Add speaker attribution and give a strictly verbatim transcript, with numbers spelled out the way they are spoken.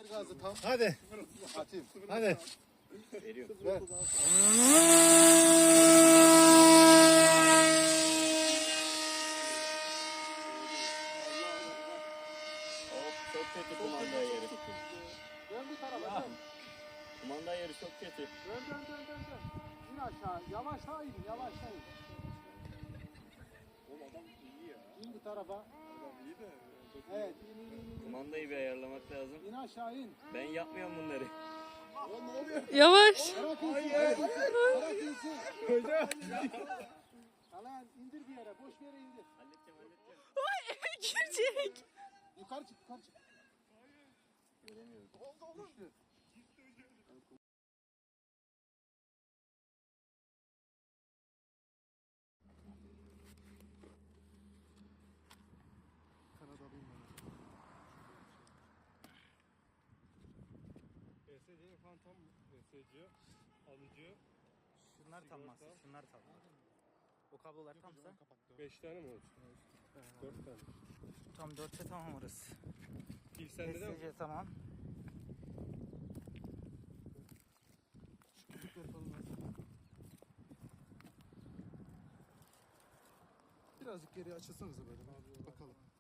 Speaker 1: Ver gazı tam.
Speaker 2: Hadi.
Speaker 1: Atayım.
Speaker 2: Hadi.
Speaker 3: Veriyorum.
Speaker 1: Ver.
Speaker 3: Hop, çok kötü kumanda yeri.
Speaker 1: Dön bir tarafa dön.
Speaker 3: Kumanda yeri çok kötü.
Speaker 1: Dön dön dön dön dön. İn aşağı. Yavaşla in. Yavaşla in.
Speaker 2: Oğlum adam iyi ya.
Speaker 1: İn bu tarafa.
Speaker 2: Adam iyi de.
Speaker 1: Evet in in in in.
Speaker 3: Kumandayı bir ayarlamak lazım.
Speaker 1: İn aşağı in.
Speaker 3: Ben yapmıyorum bunları.
Speaker 2: Oğlum ne oluyor?
Speaker 4: Yavaş.
Speaker 1: Bırak insin.
Speaker 2: Hayır.
Speaker 1: Bırak insin.
Speaker 2: Hocam.
Speaker 1: Alan indir bir yere. Boş bir yere indir.
Speaker 3: Halledeceğim halledeceğim.
Speaker 4: Girecek.
Speaker 1: Yukarı çık yukarı çık.
Speaker 3: Göremiyorum.
Speaker 1: Düştü. Kanadalıyım ben.
Speaker 2: E S C'nin falan tam E S C alıcı.
Speaker 5: Şunlar tam masa, şunlar tam. O kablolar tamsa
Speaker 2: beş tane mi oldu? dört tane.
Speaker 5: tam dörtte tamam orası.
Speaker 2: İlk sende de mi?
Speaker 5: S C tamam.
Speaker 1: Küçükleri falan var. Birazcık geri açılsanıza böyle. Bakalım.